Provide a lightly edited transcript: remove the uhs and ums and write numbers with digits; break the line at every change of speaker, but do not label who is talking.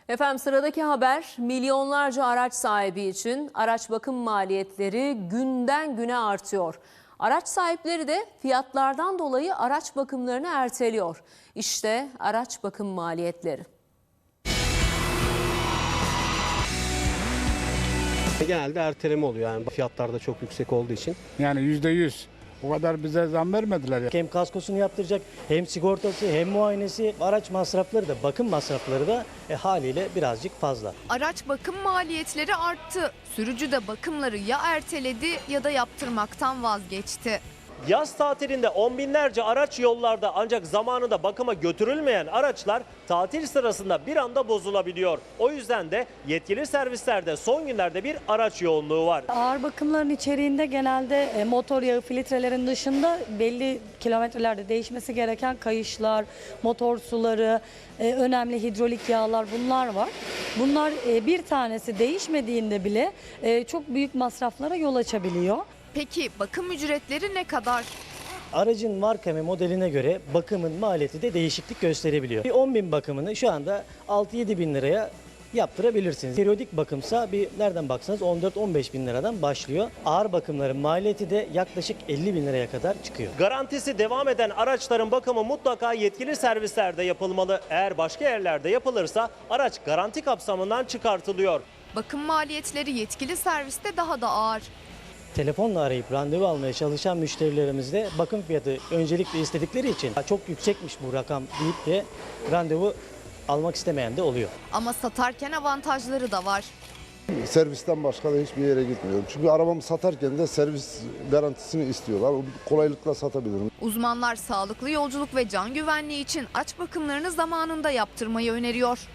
Efendim sıradaki haber milyonlarca araç sahibi için araç bakım maliyetleri günden güne artıyor. Araç sahipleri de fiyatlardan dolayı araç bakımlarını erteliyor. İşte araç bakım maliyetleri.
Genelde erteleme oluyor yani fiyatlar da çok yüksek olduğu için.
Yani %100. O kadar bize zam vermediler ya.
Hem kaskosunu yaptıracak, hem sigortası, hem muayenesi, araç masrafları da, bakım masrafları da haliyle birazcık fazla.
Araç bakım maliyetleri arttı. Sürücü de bakımları ya erteledi ya da yaptırmaktan vazgeçti.
Yaz tatilinde on binlerce araç yollarda, ancak zamanında bakıma götürülmeyen araçlar tatil sırasında bir anda bozulabiliyor. O yüzden de yetkili servislerde son günlerde bir araç yoğunluğu var.
Ağır bakımların içeriğinde genelde motor yağı filtrelerin dışında belli kilometrelerde değişmesi gereken kayışlar, motor suları, önemli hidrolik yağlar bunlar var. Bunlar bir tanesi değişmediğinde bile çok büyük masraflara yol açabiliyor.
Peki bakım ücretleri ne kadar?
Aracın marka ve modeline göre bakımın maliyeti de değişiklik gösterebiliyor. Bir 10.000 bakımını şu anda 6-7 bin liraya yaptırabilirsiniz. Periyodik bakımsa bir nereden baksanız 14-15 bin liradan başlıyor. Ağır bakımların maliyeti de yaklaşık 50 bin liraya kadar çıkıyor.
Garantisi devam eden araçların bakımı mutlaka yetkili servislerde yapılmalı. Eğer başka yerlerde yapılırsa araç garanti kapsamından çıkartılıyor.
Bakım maliyetleri yetkili serviste daha da ağır.
Telefonla arayıp randevu almaya çalışan müşterilerimiz de bakım fiyatı öncelikle istedikleri için çok yüksekmiş bu rakam deyip de randevu almak istemeyen de oluyor.
Ama satarken avantajları da var.
Servisten başka da hiçbir yere gitmiyorum. Çünkü arabamı satarken de servis garantisini istiyorlar. Kolaylıkla satabilirim.
Uzmanlar sağlıklı yolculuk ve can güvenliği için araç bakımlarını zamanında yaptırmayı öneriyor.